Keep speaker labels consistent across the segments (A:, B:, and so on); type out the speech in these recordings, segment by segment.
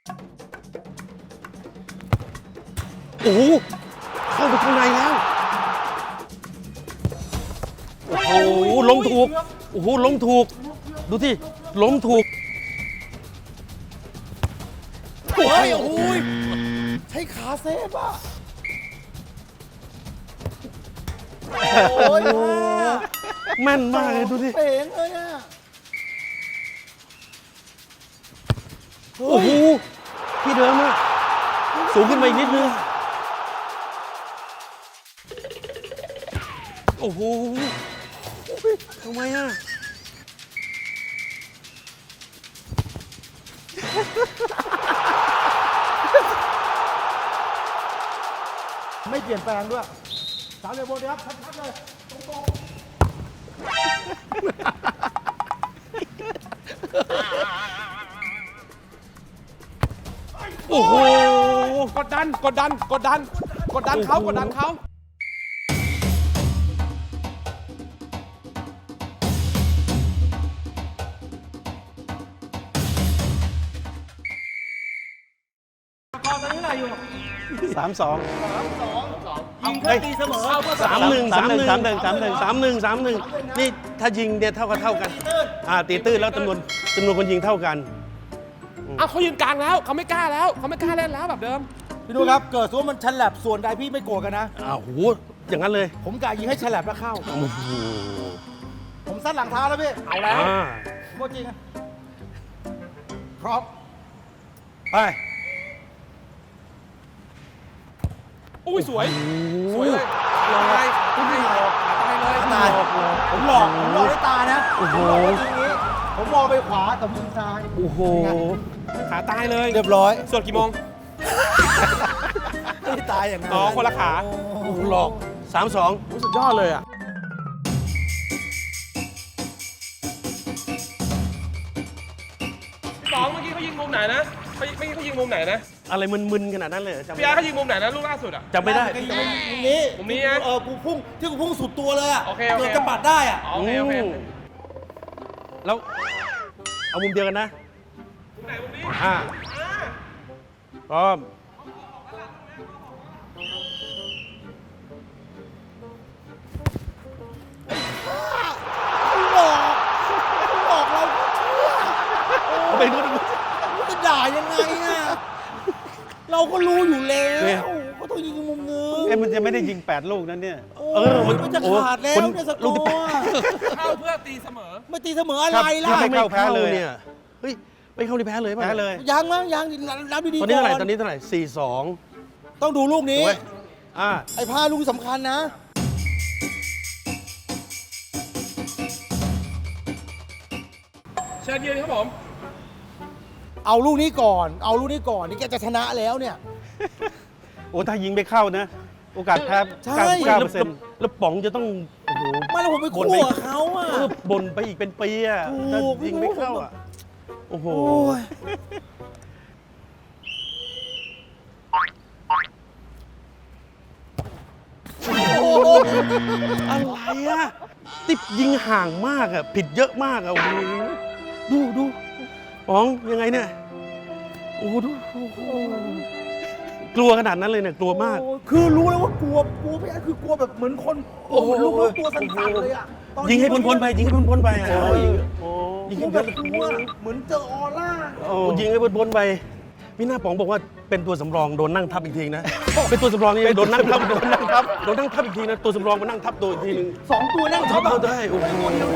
A: โอ้โหเข้าไปข้างในแล้วโอ้โหล้มถูกโอ้โหล้มถูกดูที่ล้มถูก
B: โอ้ยโอ้ยใช้ขาเซฟอ่ะโอ้ย
A: แม่นมากเลยดูสิ
B: เป๋งเลยอ่ะ
A: โอ้โหที่เดิมอะสูงขึ้นมาอีกนิดนึงโอ้โหทำไมอะ
B: ไม่เปลี่ยนแปลงด้วยสามเหลี่ยมบนครับชัดๆเลยตรง
A: โอ้โห
C: กดดันเขา
A: 3-2
B: ยิงเพื่อตีเสมอ
A: 3-1 นี่ถ้ายิงเนี่ยเท่ากันตีตื้นแล้วจำนวนคนยิงเท่ากัน
C: เอาเขายืนกลางแล้วเขาไม่กล้าแล้วเขาไม่กล้าเล่นแล้วแบบเดิม
B: พี่ดูครับเกิดสมมติมันฉลับส่วนใดพี่ไม่โกรธกันนะ
A: อ้าวโหอย่างนั้นเลย
B: ผมกะยิงให้ฉลับแล้วเข้า
A: โอ้โห
B: ผมซัดหลังเท้าแล้วพี่
C: เอาแล้ว
B: โคตรจริงอะพร้อม
A: ไป
C: อุ้ยสวยเลยลอยตายเลย
B: ตายผมหลอกด้วยตานะ
A: โอ้โห
B: จริงนี้ผมมองไปขวาแต่ยิงซ้าย
A: โอ้โห
C: ขาตายเลย
B: เรียบร้อย
C: ส่วนกี่โมง
B: ไม่ได้ตายอย่างนั้น
C: อ๋อคนละขา
A: หลอก 3-2
C: สุดยอดเลยอ่ะพี่ป๋องเมื่อกี้เขายิงมุมไหนนะเมื่อกี้เขายิงมุมไหนนะ
A: อะไรมึนๆขนาดนั้นเลยเหรอจำไม่
C: พี่อาร์
A: ได้
C: เขายิงมุมไหนนะลูกล่าสุดอ่ะ
A: จำไม่ได้
B: มุมนี้
C: มุมนี้นะ
B: กูพุ่งที่กูพุ่งสุดตัวเลยอะ
C: โอเค
B: เกือบจะปัดได้อะ
C: โอเคโอเค
A: แล้วเอามุมเดียวกันนะ
C: มุมไหนมุมนี้
A: พร้อม
B: หลอกเราเชื่อ
A: เอาไปดู
B: จะด่ายังไงอะเราก็รู้อยู่แล้วก็ต้องยิงมุมนึง
D: มันจะไม่ได้ยิง 8 ลูกนั้นเนี่ย
B: มันจะขาดแล้วเนี่ยสกอร์
C: เข้าเพื่อตีเสมอ
B: ไม่ตีเสมออะไรล่ะ
D: ไม่เข้าแพ้เลย
A: เนี่ยเฮ้ยไม่เข้าที่แพ้เลยป่ะ
D: แพ้เลย
B: ยังมั้งยังรับดี
A: ตอน
B: ๆ
A: นี้
B: ก่
A: เท่าไหร่
B: อน
A: ตอนนี้เท่าไหร่4-2
B: ต้องดูลูกนี้
A: ถูกไหม
B: ไอ้ผ้าลูกสำคัญนะ
C: เชิญยืนครับผม
B: เอาลูกนี้ก่อน นี่แกจะชนะแล้วเนี่ย
D: โอ้ถ้ายิงไม่เข้านะ โอกาสแพ้
B: ใช่
D: 99%
A: แล้วป๋องจะต้องโอ้โห
B: ไม่แล้วผมไปคู่กับเขาอ่ะ
A: บ่นไปอีกเป็นปีอ่ะ
B: ถูก
A: ถ้ายิงไม่เข้าอ่ะโอ้โห
B: โอ้ย
A: อะไรอ่ะติบยิงห่างมากอ่ะผิดเยอะมากอ่ะโอ้โหดูป๋องยังไงเนี่ยโอ้โหดูโอ้โหกลัวขนาดนั้นเลยเนี่ยกลัวมาก
B: คือรู้แล้วว่ากลัวพี่แอนคือกลัวแบบเหมือนคนโอ้โหลูกตัวสั่นๆเลยอ่ะตอน
A: ยิงให้พ้นๆไปยิงให้พ้นๆไปอ่ะ
B: โอ้ย
A: ยิง
B: กลั
A: ให้
B: วแบ
A: พ้น
B: บกลัวเหมือนเจอออร่า
A: โอ้ยิงให้พ้นๆไปพี่หน้าป๋องบอกว่าเป็นตัวสำรองโดนนั่งทับอีกทีนะ เป็นตัวสำรองนี่โดนนั่งทับโดนนั่งทับอีกทีนะตัวสำรองมานั่งทับตัวอีกทีนึง
B: 2 ตัวนั่ง
A: ทั
B: ทั
A: บบ เอาได้โอ้โห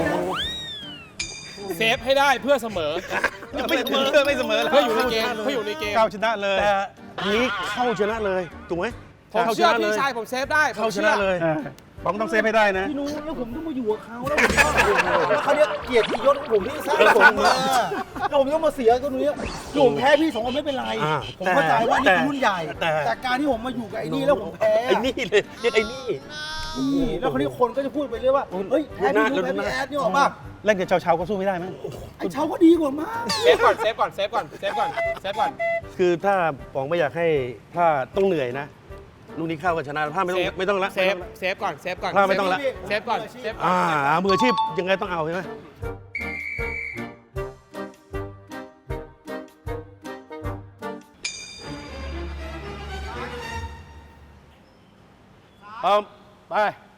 C: เซฟให้ได้เพื่อเสมอ
D: ไม่เสมอแล้ว
C: เพื่ออยู่ในเกมเพื่ออยู่ในเกม
D: ก้าวชนะเลย
A: แต่อันนี้เข้าชนะเลยถูกไหม
C: ผม
A: เข้าช
C: เชื่อ
A: นะเล
C: พี่
A: ย
C: ชายผมเซฟได้ผม
A: เข้าช
C: เชื่
A: นะ
C: อ
A: เลย
D: ป๋องต้องเซฟให้ได้นะ
B: พี่นุ้ยแล้วผมต้องมาอยู่กับเขาแล้วเขาเนี่ยเกียรติยศของผมที่สร้างผมมาแล้วผมต้องมาเสียตรงนี้ผมแพ้พี่2 คนไม่เป็นไร ผมเข้าใจว่านี่คือรุ่นใหญ่ แต่การที่ผมมาอยู่กับไอ้นี่แล้วผมแพ้
A: ไอ้นี่เลยเรียกไอ้นี่
B: นี่แล้วคนนี้คนก็จะพูดไปเรื่อยว่าเฮ้ยแพ้พี่นุ้ยแพ้พี่แอดนี่ออกป่ะ
D: เล่นกับชาวๆก็สู้ไม่ได้ไหม
B: ไอ้เช้าก็ดีกว่ามาก
C: เซฟก่อนเซฟก่อนเซฟก่อนเซฟก่อนเซฟก่อน
A: คือถ้าป๋องไม่อยากให้พลาดต้องเหนื่อยนะลูกนี้เข้าก็ชนะพลาดไม่ต้องละ
C: เซฟเซฟก่อนเซฟก่อน
A: พลาดไม่ต้องละ
C: เซฟก่อนเซฟก่อน
A: มืออาชีพยังไงต้องเอาใช่ไหม
D: พร้อมไป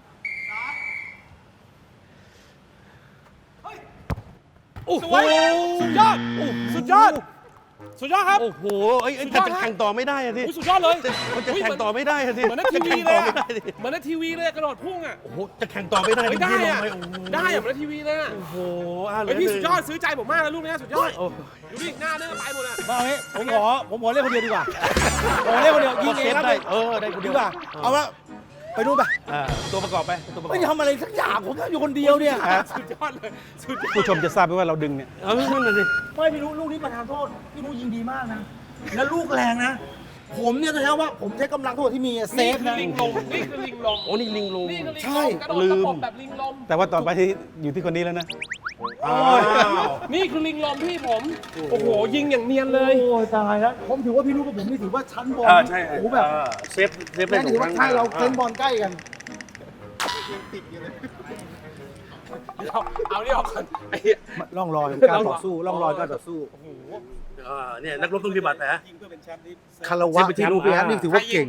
C: สวยสุดยอดสุดยอดสุดยอดครับ
A: โอ้โหเอ้ยแต่จะแข่งต่อไม่ได้อะสิ
C: อุ๊ยสุดยอดเลย
A: มันจะแข่งต่อไม่ได้อะสิ
C: เหมือนในทีวีเลยอะ
A: จะแข่งต่อไม่ได้สิ
C: เหมือนในทีวีเลยกระโดดพุ่งอ่ะ
A: โอ้โหจะแข่งต่อไม่ได้
C: เฮ้ย
A: จริงๆ
C: ได้อะ
A: ลงปโอ้โห
C: ได้อะเหมือนในทีวีเลยอะ
A: โอ้โหอ่ะเหล
C: เฮ้ยพี่
A: หนึ่
C: สุ
A: ง
C: ดยอดซื้อใจผมมากนะลูกเนี้ยสุดยอด
A: โอ้
C: ดูดิหน้าเนื้อไปหมดอ่ะ
B: มาเอางี้ผมขอเล่นคนเดียวดีกว่าผมเล่นคนเดียวยิงเองครับ
A: ได้ได้กู
B: ดี
A: เดียว
B: กว่าเอาละไปนู่นไป
A: ตัวประกอบไปตัวประกอบ
B: ไม่ทำอะไรสักอย่างผมอยู่คนเดียวเนี่ย
C: สุดยอดเลยสุดยอด
D: ผู้ชมจะทราบไหมว่าเราดึงเนี่ย
A: เอาไม่นั่นน่ะสิ
B: ไม่พี่รู้ลูกนี้ประธานโทษพี่รู้ยิงดีมากนะแล้วลูกแรงนะ ผมเนี่ยจะใช้ว่าผมใช้กำลังทั้งหมดที่มีเซ
C: นี่
B: ฟ
C: คือ
B: นะ
C: ลิงลมนี่คือลิงลม
A: โอ้นี่ลิงลง
C: นี่คือลิง
B: ใช่
C: ลมกระโดดตะปบแบบลิงลม
D: แต่ว่าต่อไปที่อยู่ที่คนนี้แล้วนะ
A: อ้าว
C: นี่คือลิงลมพี่ผม โอ้โห ยิงอย่างเนียนเลย
B: โอ้ยตายแล้วผมถือว่าพี่รู้กับผมนี่ถือว่าชั้นบอล
A: ใช่
B: โอ้โหแบบ
A: เซฟได้
B: นั่น
A: ถู
B: ถื
A: ก
B: อว่า
A: ครั้ง
B: ใช่เราเซนบอลใกล้กัน
C: เอานี่ออกก่อนไอ้เหี้ย
B: ร่องรอยการต่อสู้ร่องรอยการต่อสู้
A: เนี่ยนักรบต้องปฏิบัตินะ
B: คารวะที่รู้พี่แอฟนี่ถือว่าเก่ง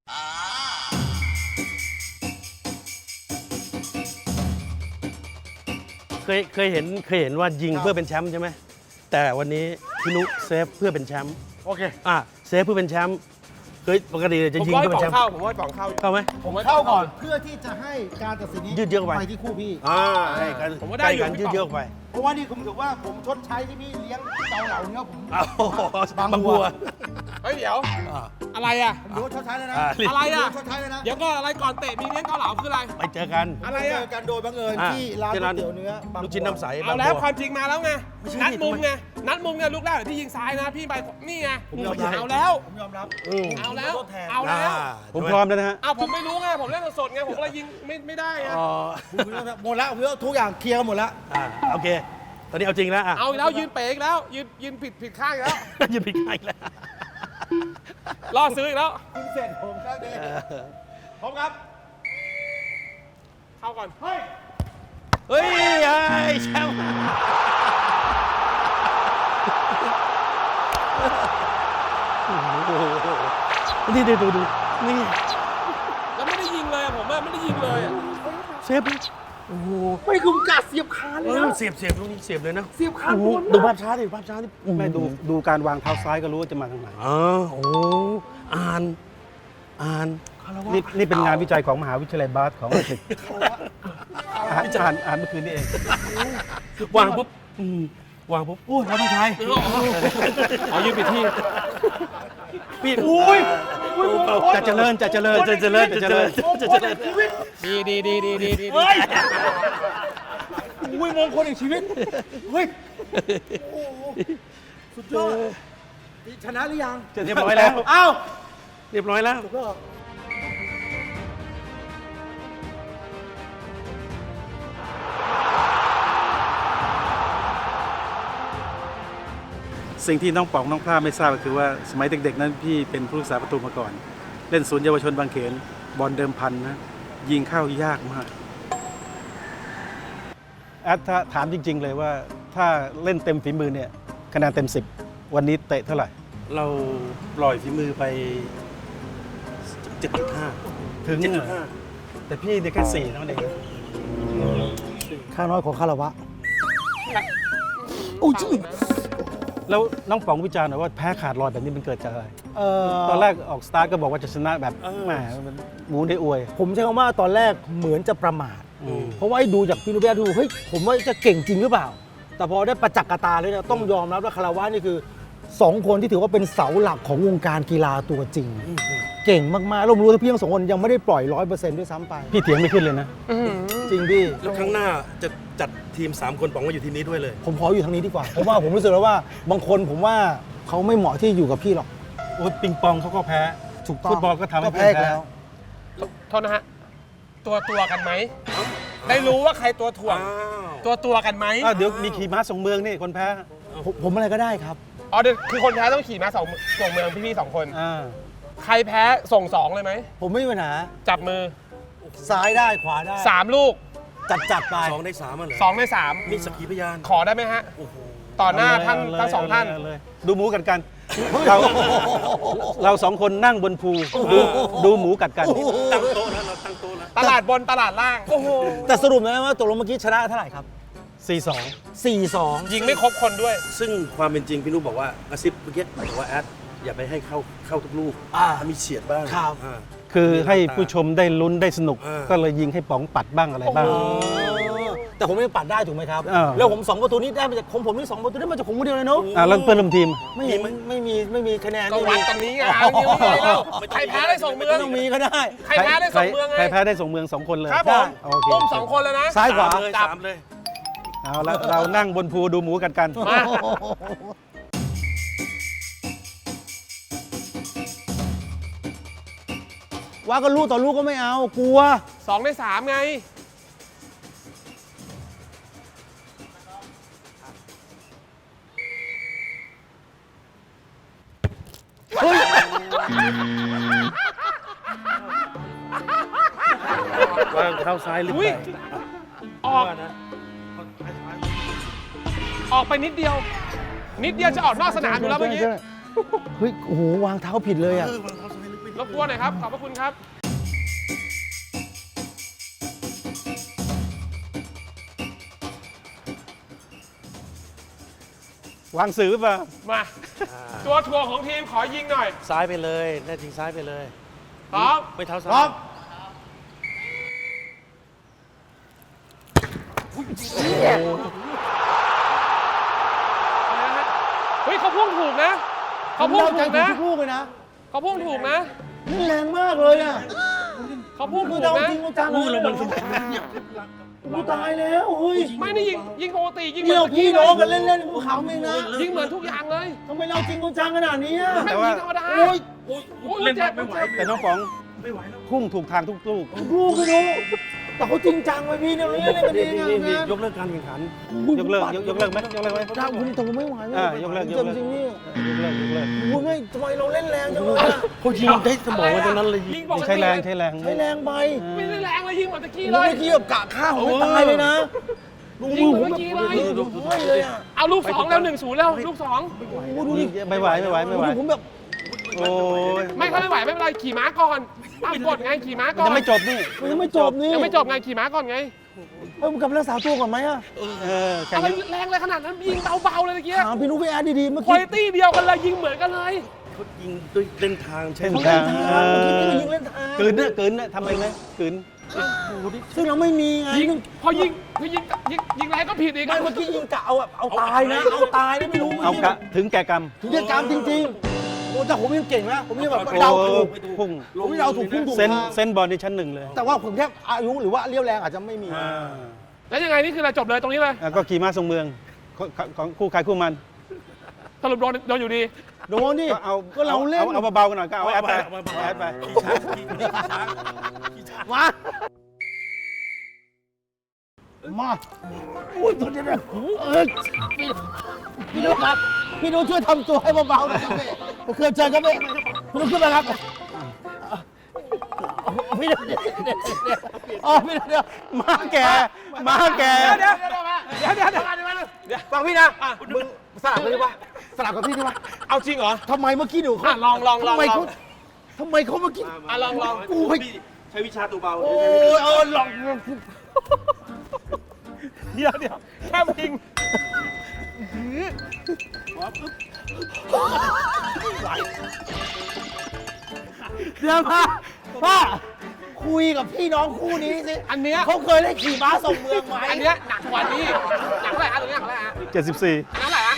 A: เคยเห็นว่ายิง
B: ครับ
A: เพื่อเป็นแชมป์ใช่ไหมแต่วันนี้พี่นุเซฟเพื่อเป็นแชมป์
B: โอเค
A: เซฟเพื่อเป็นแชมป์เคยปกติจะ
C: ผม
A: ยิง
C: ว่า
A: เพื่อเป็น
C: กล่
A: แช
C: อง
A: มป์
C: เข้าผมว่ากล่องเข้า
A: เข้าไหม
C: ผมว่า
B: เข้าก่อนเพื่อที่จะให้การตัดสินนี้
A: ยืดเยื้อไป
B: ไปที่คู่พี่
A: ให้กัน
C: ผมว่าได้อยู่
A: ใกล้กันยืดเยื้อไป
B: เพราะว่านี่ผมถือว่าผมชดใช้ที่พี่เลี้ยงเกาเหลาเนื้อผม
A: อ้าว
B: บาง
A: บาง
B: บั
A: บั
B: ว
A: ว
C: เฮ้ยเดี๋ยว
A: อ่า
C: อะไรอ่ะ
B: ผมถือว่าชดใช้แล้วนะ
C: อะไรอ่ะ
B: ชดใช้แล้วนะ
C: เดี๋ยวก็อะไรก่อนเตะมีเลี้ยงเกาเหลาคืออะไร
A: ไปเจอกัน
C: อะไร
B: เจ
C: อ่ะ
B: อกันโดยบังเอิญ
A: อ่า
B: ที่ร้าน
A: ที่
B: ก๋ว
A: ร้าน
B: ยเตี๋ยวเนื้อ
A: ลูกชิ้นน้ำใส
C: เอาแล้ว
A: บง
C: ความจริงมาแล้วไง
A: ไม่ใช่
C: นัดมุม
A: ทำไม
C: ไงนัดมุมไงลูกแรกที่ยิงซ้ายนะพี่ไปนี่ไง
B: ผมยอมรับ
C: เอาแล้ว
B: ผมยอมรับ
A: อืม
C: เอาแล้ว
B: ผมขอโทษแทน
C: เอาแล้ว
D: ผมพร้อมแล้วนะฮะ
C: เอาผมไม่รู้ไงผมเล่นสดๆไงผมก็เลยยิงไม่ได้ไง
A: อ๋อ
B: ผมยอมรับหมดแล้วผมว่าทุกอย่างเคลียร์กันหมดแล้ว
A: โอเค ตอนนี้เอาจริงแล้ว
C: เอาอีกแล้วยืนเป๋อีกแล้วยืนผิดข้างอีกแล้ว
A: ยืนผิดใครแล้ว
C: ล่อซื้ออีกแล้ว
B: คุณเสร็จผมครับเด้พร้อมครับ
C: เข้าก่อน
B: เฮ้ย
A: เฮ้ยไอ้แชมป์โอ้โหนี่ดูนี่
C: แล้วไม่ได้ยิงเลยอะผมอะไม่ได้ยิงเลยอะ
A: เซฟโอ้โห
B: ไม่คุมกัดเสียบคานเลยนะ
A: เสียบลูกนี้เสียบเลยนะ
B: เสียบคาน
A: โอ้โห
B: บน
A: ดูภาพช้าดิภาพช้าดิ
D: แม่ดูการวางเท้าซ้ายก็รู้ว่าจะมาทางไหน
A: อ๋อโอ้อ่าน
D: นี่เป็นงานวิจัยของมหาวิทยาลัยบาสของอังกฤษอ่านเมื่อคืนนี้เอง
A: วางปุ๊บวางปุ๊บ
B: โอ้ยแล้วไม่ใช่
C: เอายืนผิดที่
A: พี่อุ้ย
D: จะเจริญ
C: ดี
B: เฮ้ยอุ้ยมงคลแห่งชีวิต เฮ้ย โอ้โหสุดยอดชนะหรือยัง
A: เรียบร้อยแล้ว
B: อ้าว
A: เรียบร้อยแล้ว
B: ถูกแล้ว
D: สิ่งที่น้องป๋องน้องพลาไม่ทราบก็คือว่าสมัยเด็กๆนั้นพี่เป็นผู้รักษาประตูมาก่อน เล่นศูนย์เยาวชนบางเขนบอลเดิมพันนะยิงเข้ายากมากถ้าถามจริง ๆ เลยว่าถ้าเล่นเต็มฝีมือเนี่ยคะแนนเต็ม 10 วันนี้เตะเท่าไหร่
A: เราปล่อยฝีมือไป 7.5
D: ถึง
A: 7.5 แต่พี่เนี่ยแค่4เท่านั้นเอง
B: ข้าน้อยของคารวะอุ้ยชื่อ
D: แล้วน้องป๋องวิจารณ์หน่อยว่าแพ้ขาดลอยแบบนี้มันเกิดจากอะไร
B: ต
D: ต
B: อ
D: อน น
B: แร
D: แร
B: ก
D: กออกสตาร์ทก็บอกว่าจะชนะแบบแหมมันหมูได้อวย
B: ผมใช้คำว่าตอนแรกเหมือนจะประมาท เพราะว่าไอ้ดูจากพี่นุเบะดูเฮ้ยผมว่าจะเก่งจริงหรือเปล่า แต่พอได้ประจักษ์กบตาเลยเนี่ยต้องยอมรับว่าคาราวะนี่คือ 2 คนที่ถือว่าเป็นเสาหลักของวงการกีฬาตัวจริง เก่งมากๆเรารู้ว่าพี่ทั้ง 2 คนยังไม่ได้ปล่อย 100%ด้วยซ้ำไป
D: พี่เถียงไม่ขึ้นเลยนะ
B: จริงพี่
A: แล้วครั้งหน้าจะจัดทีม 3 คนป๋องมาอยู่ทีมนี้ด้วยเลย
B: ผมขออยู่ทางนี้ดีกว่า เพราะว่าผมรู้สึกแล้วว่าบางคนผมว่าเขาไม่เหมาะที่อยู่กับพี่หรอก
D: โอ้ยปิงปองเขาก็แพ้
B: ถูกต้อง
D: ฟุตบอลก็ทำให้
B: แพ้อีก
D: แพ้
B: แล้ว
C: โทษนะฮะ ตัวกันไหม ได้รู้ว่าใครตัวถ่วง ตัวกันไหม
D: อ้าวเดี๋ยวมีขี่ม้าส่งเมืองนี่คนแพ้
B: ผมอะไรก็ได้ครับ
C: อ๋อเดี๋ยวคือคนแพ้ต้องขี่ม้าส่งเมืองพี่ๆ2 คน
D: อ่า
C: ใครแพ้ส่ง 2 เลยไหม
B: ผมไม่มีปัญหา
C: จับมือ
B: ซ้ายได้ขวาได้
C: 3 ลูก
B: จัดไป
A: 2 ใน 3อ่ะเหรอ
C: 2 ใน 3
A: มีสักขีพยาน
C: ขอได้ไหมฮะ ต่อหน้าท่านทั้งสองท่าน
D: เเลยดูหมูกัดกัน เรา 2 คนนั่งบนภูดูหมูกัดกัน
A: ตั้งโต๊ะแล้วเราตั้งโต๊ะ
C: ตลาดบนตลาดล่าง
B: โอ้โหแต่สรุปนะว่าตกลงเมื่อกี้ชนะเท่าไหร่ครับ
D: 4-2
B: 4-2
C: ยิงไม่ครบคนด้วย
A: ซึ่งความเป็นจริงพี่นุบอกว่ากระซิบเมื่อกี้บอกว่าแอดอย่าไปให้เข้าทุกลูกมีเฉียดบ้าง
B: ครับ
D: คือให้ผู้ชมได้ลุ้นได้สนุก
A: อ่า
D: ก็เลยยิงให้ป๋องปัดบ้างอะไรบ้าง
B: แต่ผมไม่ปัดได้ถูกไหมครับ
D: อ้าว
B: แล้วผม2ประตูนี้ได้มาจากของผมนี่2ประตูได้มาจากผมคนเดียวเลยเนาะ
D: แล้วเพื่อนร่วมทีม
B: ไม่มีคะแนน
C: ก็วัดตรงนี้ไงเอายิงไม่ได้แล้วใครแพ้ได้ส่งเมือง
B: ไม่ต้องมีก็ได้
C: ใครแพ้ได้ส่งเมืองไง
D: ใครแพ้ได้ส่งเมือง 2 คนเลย
C: ครับผม
D: โอเค
C: อุ้ม2 คนเลยนะ
B: ซ้ายขวา
C: จับ
A: 3เลย
D: เอาละเรานั่งบนภูดูหมูกัน
C: มา
B: ว่าก็ลูกต่อลูกก็ไม่เอากลัว
C: 2 ใน 3 ไง
A: วางเท้าซ้ายลึก
C: อุ๊ย
A: ไป
C: ออก
A: ว่านะ
C: ออกไปนิดเดียว นิดเดียวจะออกนอกสนามอยู่แล้วเมื่อกี้
B: เฮ้ยโอ้โหวางเท้าผิดเลยอ่ะ
A: วางเท้าซ้ายลึกไป
C: รบกวนหน่อยครับ ขอบพระคุณครับ
D: วางสื่อป่ะ
C: มา ตัวถ่วงของทีมขอยิงหน่อย
A: ซ้ายไปเลยแน่จริงซ้ายไปเลย
C: พร้อม
A: ไม่เท้าซ้าย
B: พร้อม
C: อะไรนะฮะเฮ้ยเขาพุ่งถูกนะเขาพุ่งถูกนะ
B: ทุกลูกเลยนะ
C: เขาพุ่งถูกนะ
B: นี่แรงมากเลยอ่ะ
C: เขาพุ่ง
B: คื
C: ถู
B: อก เรา
C: นะ
B: จริงจังเลยกูตายแล้วเฮ้ย
C: ไม่นี่ยิงปกติยิงเหมื
B: นี่
C: อน
B: เรา
C: เมื่อ
B: พี่
C: กี้เล
B: น้อง
C: ย
B: กันเล่นๆกูขำเองนะ
C: ยิงเหมือนทุกอย่างเลย
B: ทำไมเราจริงจังขนาดนี้อะ
C: ไม่ยิงธรรมดา
B: โอ้ย
C: โอ้ยเจ็บไม่ไหว
D: แต่น้องป๋องพุ่งถูกทางทุกลูก
B: ลูกไม่รู้แต่เขาจริงจังไปพี่เนี่ยเราเล่นกันเองงาน
A: ยกเลิกการแข่งขัน
D: ยกเลิกไหมยกเลิกไหม
B: ถ้าคุณแต่ผมไม่ไหว
D: ยกเลิก
B: จริงๆนี่
D: ยกเลิก
B: คุณไม่ทำไมเราเล่นแรงจังเลยอะ
A: เขายิงได้สมองกันตรงนั้นเลย
C: ยิงปกติ
D: ใช้แรง
B: ใช้แรงไป
C: ไม่ได้แรงเลยยิงเหมือนตะกี้
B: เมื่
C: เลย
B: อกี้แบบกะข้าวผมไม่ตายเลยนะ
C: ยิงเหมือนเมื่อกี้เลย
B: ไม่เลยอ่ะ
C: เอาลูก 2 แล้ว 1-0 แล้วลูก
B: โอ้ดูดิ
D: ไม่ไหว
B: ผมแบบ
D: โอ้ย
C: 2 ไม่เขาไม่ไหวไม่เป็นไรขี่ม้าก่อนตามกฎไงขี่ม้าก่อน
D: ยังไม่จบนี่
B: มันยังไม่จบนี่
C: ยังไม่จบไงขี่ม้าก่อนไง
B: มันกลับรักษาตัวก่อนไหมอะ
D: แข่ง
C: อะไร
D: กัน
C: แรงเลยขนาดนั้นยิงเบาๆเลยตะกี้
B: ถามพี่นุ๊กพี่แอดดีๆเมื่อ
C: คุณ
B: กี้
C: ภาพเดียวกันเลยยิงเหมือนกันเลย
A: เขายิงด้วยเล่นทางใช่
D: เส้น
A: ไหม
D: ทาง
B: เมื่อกี้นี่ก็ยิงเล่นทาง
D: กลืนนะทำเองไหมกลืน
B: ซึ่งเราไม่มีไง
C: ยิงพอยิงแรงก็ผิดอีก
B: ไม่เมื่อกี้ยิงกะเอาแบบเอาตายนะเอาตายนะไม่รู้
D: เอากะถึงแก่กรรม
B: ถึงจะกรรมจริงๆโอ้แต่ผมยังเก่งนะผมยังแบบ
D: โอ้
B: เดาถูก
D: พุ่ง
B: ผมเดาถูกพุ่งถูก
D: เส้น
B: ทาง
D: เส้นบอลในชั้นหนึ่งเลย
B: แต่ว่าผมแค่อายุหรือว่าเลี้ยวแรงอาจจะไม่มี
C: แล้วยังไงนี่คือเราจบเลยตรงนี้เลย
D: ก็ขี่ม้าทรงเมืองของคู่ใครคู่มัน
C: สรุปโดนอยู่ดี
B: โดนดิ
D: ก็เอา
B: ก็เราเล่น
D: เอาเบาๆกันหน่อยก็เอาแอดไปแอดไป
B: มาอุ้ยตัวเดียวนะพี่นุ๊กครับพี่นุ๊กช่วยทำตัวให้เบาๆหน่อยครับพี่เคยเจอครับพี่นุ๊กขึ้นมาครับพี่นุ๊กอ๋อพี่นุ๊กเดี๋ยว
D: ม้าแก่
C: เดี๋ยวฟังพี่นะ
B: มึงสลับกันดีกว่าสลับกับพี่ดีกว่า
C: เอาจริงเหรอ
B: ทำไมเมื่อกี้หนูเขา
C: ลอง
B: ทำไมเขาเมื่อกี้
C: ลอง
B: กูให้
A: ใช้วิชาตัวเบา
B: โอ้ยลอง
C: เดี๋ยวแค่พิง
B: เดี๋ยวพ่อคุยกับพี่น้องคู่นี้สิ
C: อันเนี้ย
B: เขาเคยเล่นขี่ม้าส่งเมืองไหม
C: อันเนี้ยหนักกว่านี้หนักเท่าไหร่ฮะตรงนี้หนักเท่าไหร่ฮะ
D: 74
C: อันนั้นเท่าไหร่ฮะ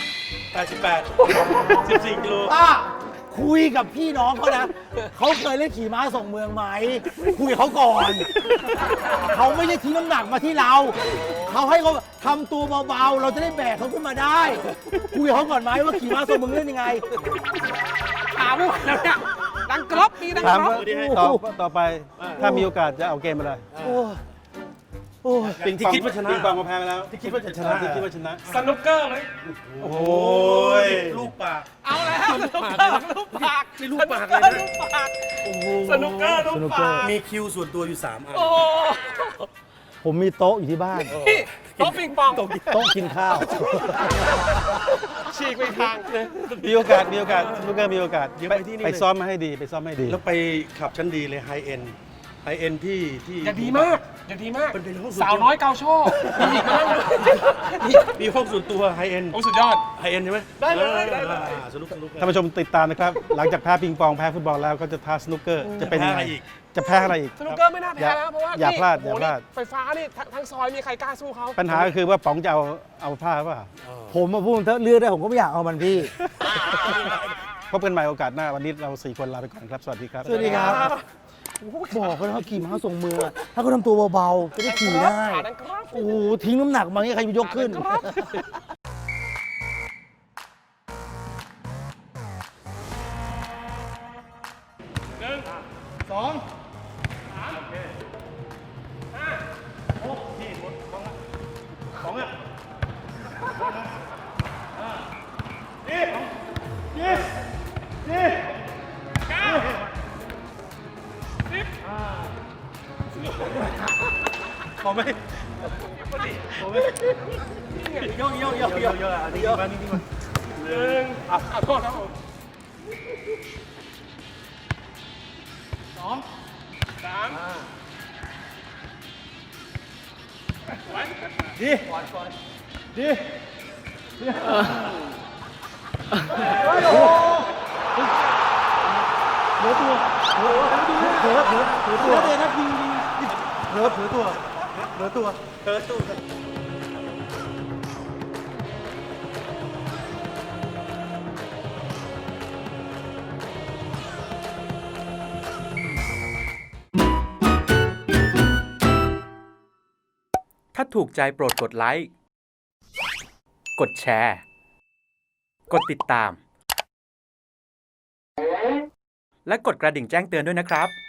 A: 88 14 กิโล
B: ป้าคุยกับพี่น้องเขานะเขาเคยเล่นขี่ม้าส่งเมืองไหมคุยกับเขาก่อนเขาไม่ได้ทิ้งน้ำหนักมาที่เราเขาให้เขาทำตัวเบาๆเราจะได้แบกเขาขึ้นมาได้คุยกับเขาก่อนไหมว่าขี่ม้าส่งเมืองเล่นยังไง
C: ถามไม่ไหวแล้วเนี่ยดังกรอบมีดัง
D: ถาม
C: กรอบ
D: ว่าต่อไปถ้ามีโอกาสจะเอาเกมอะไร
B: โอ้ยโอ้ย
A: ที่คิดว่าชนะ
D: ปิงปองมาแพ้ไปแล้ว
A: ที่คิดว่าจะชนะ
D: ที่คิดว่าชนะ
C: สนุกเกอร์เลย
D: โอ้ย
A: ลูกปาก
C: เอาแล้วสนุกเกอร์ลูกปาก
A: นี่ลูกปากเลยนะ
C: ลูกปากสนุกเกอร์ลูกปาก
A: มีคิวส่วนตัวอยู่ 3 อัน
C: โอ้
B: ผมมีโต๊ะอยู่ที่บ้าน
C: พี่โต๊ะปิงปอง
B: โต๊ะกินข้าว
C: ฉีกไปทางเลย
D: มีโอกาสลูกเกอร์มีโอกาส
A: เดี๋ยวไปที่นี่เลย
D: ไปซ้อมมาให้ดี
A: แล้วไปขับชั้นดีเลยไฮเอ็นเอ็นที่
C: อย่าดีมากอย่าดีมาก
A: เป็นห้องส่วนตัว
C: สาวน้อยเกาโชว์มีอีกมานั่งด้วย
A: มีห้องส่วนตัวไฮเอ็น
C: โอ้สุดยอด
A: ไฮเอ็นใช่ไหม
C: ได้เลยได้เลย
A: สนุก
D: ท่านผู้ชมติดตามนะครับ หลังจากแพ้ปิงปองแพ้ฟุตบอลแล้วก็จะท้าสนุกเกอร์จะเป็นยังไงจะแพ้อะไรอีก
C: สนุกเกอร์ไม่น่าแพ้แล้วเพราะว่า
D: อย่าพลาด
C: นี่
D: อย่าพลาด
C: โอ้โหนี่ไฟฟ้านี่ทั้งซอยมีใครกล้าสู้เขา
D: ปัญหาก็คือว่าป๋องจะเอาผ้าเปล่า
B: ผมมาพูดเถอะเลือกได้ผมก็ไม่อยากเอามันพี่
D: พบกันใหม่โอกาสหน้าวันนี้เรา4คนลาไปก่อนครับสวัสดีครับ
B: สวัสดีครับ บอกเขาแล้วว่าขี่ม้าส่งมือ ถ้าเขาทำตัวเบาๆจะได้ขี่ได้
C: ขาดังกรอบ
B: โอ้โหทิ้งน้ำหนักมาเนี่ยใครจะยกขึ้น
C: ครับ
A: พอไหมพอไหมโยกอันนี้มานี่มา
C: ขอโทษครับผม2 3
E: ถ้าถูกใจโปรดกดไลค์ กดแชร์ กดติดตาม และกดกระดิ่งแจ้งเตือนด้วยนะครับ